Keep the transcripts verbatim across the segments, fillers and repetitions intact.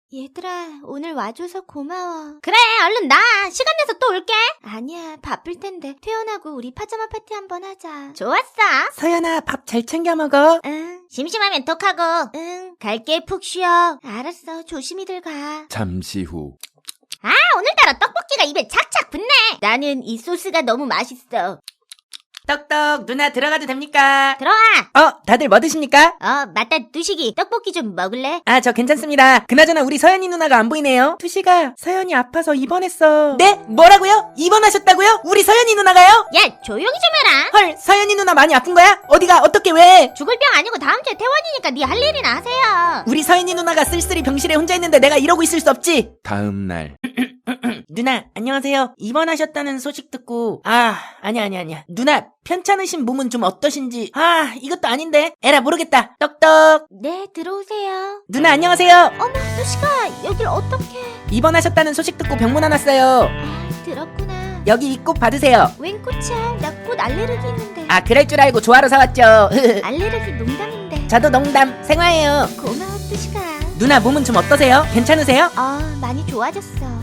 얘들아, 오늘 와줘서 고마워. 그래, 얼른 나. 시간 내서 또 올게. 아니야, 바쁠 텐데. 퇴원하고 우리 파자마 파티 한번 하자. 좋았어. 서연아, 밥 잘 챙겨 먹어. 응, 심심하면 톡하고. 응. 갈게, 푹 쉬어. 알았어, 조심히들 가. 잠시 후. 아, 오늘따라 떡볶이가 입에 착착 붙네. 나는 이 소스가 너무 맛있어. 떡떡, 누나 들어가도 됩니까? 들어와. 어, 다들 뭐 드십니까? 어, 맞다, 뚜식이. 떡볶이 좀 먹을래? 아, 저 괜찮습니다. 그나저나 우리 서연이 누나가 안 보이네요. 투시가 서연이 아파서 입원했어. 네? 뭐라고요? 입원하셨다고요? 우리 서연이 누나가요? 야, 조용히 좀 해라. 헐, 서연이 누나 많이 아픈 거야? 어디가? 어떻게 왜? 죽을 병 아니고 다음 주에 퇴원이니까 네 할 일이나 하세요. 우리 서연이 누나가 쓸쓸히 병실에 혼자 있는데 내가 이러고 있을 수 없지. 다음 날. 누나, 안녕하세요. 입원하셨다는 소식 듣고 아, 아니야 아니야 아니야. 누나, 편찮으신 몸은 좀 어떠신지. 아, 이것도 아닌데. 에라 모르겠다. 떡떡. 네, 들어오세요. 누나 안녕하세요. 어머, 뚜시가 여길 어떻게? 입원하셨다는 소식 듣고 병문안 왔어요. 아, 들었구나. 여기 이 꽃 받으세요. 웬 꽃이야? 나 꽃 알레르기 있는데. 아, 그럴 줄 알고 조화로 사왔죠. 알레르기 농담인데. 저도 농담, 생화예요. 고마워, 뚜시가. 누나 몸은 좀 어떠세요? 괜찮으세요? 어, 많이 좋아졌어.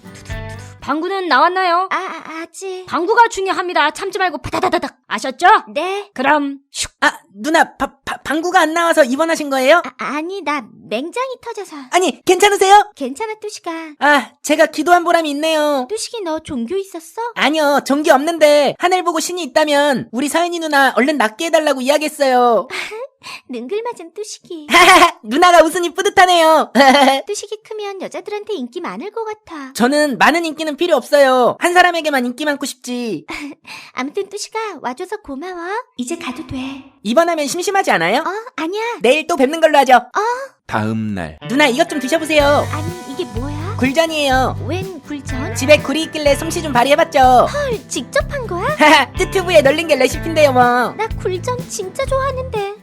방구는 나왔나요? 아, 아, 아직. 방구가 중요합니다. 참지 말고 파다다다닥. 아셨죠? 네. 그럼 슉. 아, 누나 바, 바, 방구가 안 나와서 입원하신 거예요? 아, 아니, 나 맹장이 터져서. 아니, 괜찮으세요? 괜찮아, 뚜시가. 아, 제가 기도한 보람이 있네요. 뚜식이 너 종교 있었어? 아니요, 전기 없는데 하늘 보고 신이 있다면 우리 서연이 누나 얼른 낫게 해달라고 이야기했어요. 능글맞은 뚜식이. 하하하, 누나가 웃으니 뿌듯하네요. 뚜식이 크면 여자들한테 인기 많을 것 같아. 저는 많은 인기는 필요 없어요. 한 사람에게만 인기 많고 싶지. 아무튼 뚜식아, 와줘서 고마워. 이제 가도 돼. 입원하면 심심하지 않아요? 어, 아니야. 내일 또 뵙는 걸로 하죠. 다음 날. 누나 이것 좀 드셔보세요. 아니, 이게 뭐야? 굴전이에요. 웬 굴전? 집에 굴이 있길래 솜씨 좀 발휘해봤죠. 헐, 직접 한 거야? 하하, 뜨튜브에 널린 게 레시피인데요 뭐. 나 굴전 진짜 좋아하는데.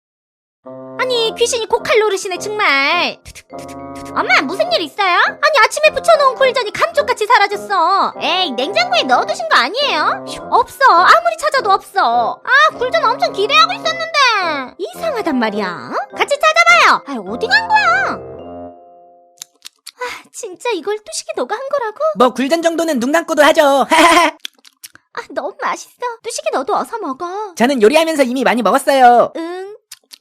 아니, 귀신이 고칼 노릇이네 정말. 엄마, 무슨 일 있어요? 아니, 아침에 부쳐놓은 굴전이 감쪽같이 사라졌어. 에이, 냉장고에 넣어두신 거 아니에요? 슉, 없어. 아무리 찾아도 없어. 아, 굴전 엄청 기대하고 있었는데. 이상하단 말이야. 같이 찾아봐요. 아, 어디 간 거야? 아, 진짜 이걸 뚜식이 너가 한 거라고? 뭐 굴전 정도는 눈 감고도 하죠. 하하하. 아, 너무 맛있어. 뚜식이 너도 어서 먹어. 저는 요리하면서 이미 많이 먹었어요. 응.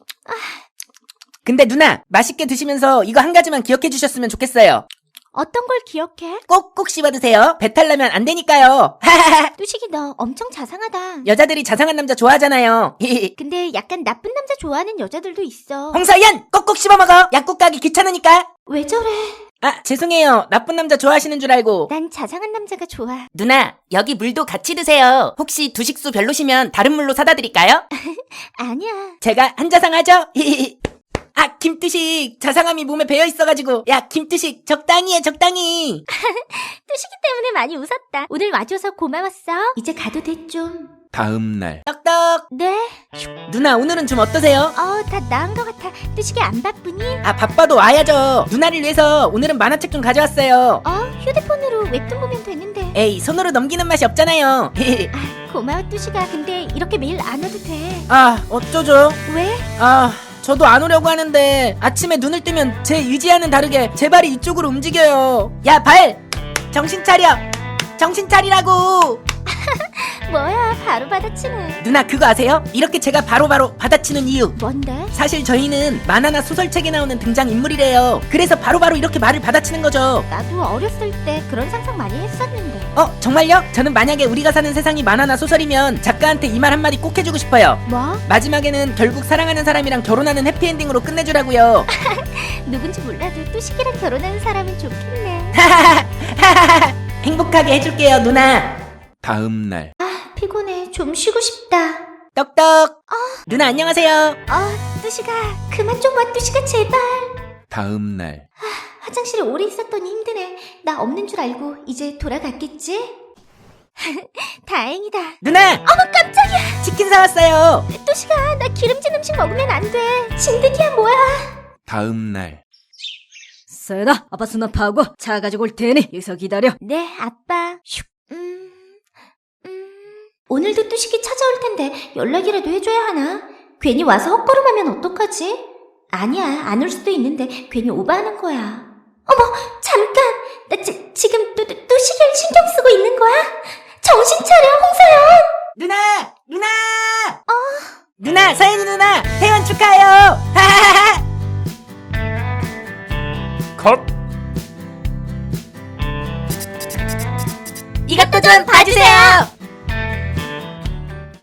근데 누나, 맛있게 드시면서 이거 한 가지만 기억해 주셨으면 좋겠어요. 어떤 걸 기억해? 꼭꼭 씹어 드세요. 배탈 나면 안 되니까요. 하하하. 뚜식이 너 엄청 자상하다. 여자들이 자상한 남자 좋아하잖아요. 근데 약간 나쁜 남자 좋아하는 여자들도 있어. 홍서연, 꼭꼭 씹어 먹어. 약국 가기 귀찮으니까. 왜 저래? 아, 죄송해요. 나쁜 남자 좋아하시는 줄 알고. 난 자상한 남자가 좋아. 누나, 여기 물도 같이 드세요. 혹시 두식수 별로시면 다른 물로 사다 드릴까요? 아니야. 제가 한자상하죠? 아, 김뚜식. 자상함이 몸에 배어 있어가지고. 야, 김뚜식, 적당히 해, 적당히. 뚜식이 때문에 많이 웃었다. 오늘 와줘서 고마웠어. 이제 가도 돼, 좀. 다음 날. 떡떡. 네? 누나, 오늘은 좀 어떠세요? 어, 다 나은 것 같아. 뚜식이 안 바쁘니? 아, 바빠도 와야죠. 누나를 위해서 오늘은 만화책 좀 가져왔어요. 어, 휴대폰으로 웹툰 보면 되는데. 에이, 손으로 넘기는 맛이 없잖아요. 아, 고마워, 뚜식아. 근데 이렇게 매일 안 와도 돼. 아, 어쩌죠? 왜? 아, 저도 안 오려고 하는데 아침에 눈을 뜨면 제 의지와는 다르게 제 발이 이쪽으로 움직여요. 야, 발! 정신 차려! 정신 차리라고! 뭐야, 바로 받아치네. 누나 그거 아세요? 이렇게 제가 바로바로 받아치는 이유. 뭔데? 사실 저희는 만화나 소설책에 나오는 등장인물이래요. 그래서 바로바로 이렇게 말을 받아치는 거죠. 나도 어렸을 때 그런 상상 많이 했었는데. 어, 정말요? 저는 만약에 우리가 사는 세상이 만화나 소설이면 작가한테 이 말 한마디 꼭 해주고 싶어요. 뭐? 마지막에는 결국 사랑하는 사람이랑 결혼하는 해피엔딩으로 끝내주라고요. 누군지 몰라도 뚜식이랑 결혼하는 사람은 좋겠네. 행복하게 해줄게요, 누나. 다음 날. 아, 피곤해. 좀 쉬고 싶다. 떡떡. 누나 안녕하세요. 어, 뚜식아. 그만 좀 와, 뚜식아, 제발. 다음 날. 화장실에 오래 있었더니 힘드네. 나 없는 줄 알고 이제 돌아갔겠지? 다행이다. 누나. 어머, 깜짝이야. 치킨 사왔어요. 뚜식아, 나 기름진 음식 먹으면 안 돼. 진드기야, 뭐야. 다음 날. 서연아, 아빠 수납하고 차 가지고 올 테니 여기서 기다려. 네, 아빠. 슉. 음, 음. 오늘도 뚜식이 찾아올 텐데 연락이라도 해줘야 하나? 괜히 와서 헛걸음하면 어떡하지? 아니야, 안 올 수도 있는데 괜히 오버하는 거야. 잠깐, 나 지, 지금 또, 또, 또 시계를 신경 쓰고 있는 거야? 정신 차려, 홍서연! 누나! 누나! 어? 누나, 서연이 누나! 회원 축하해요! 하하하하! 컷. 이것도 좀 봐주세요!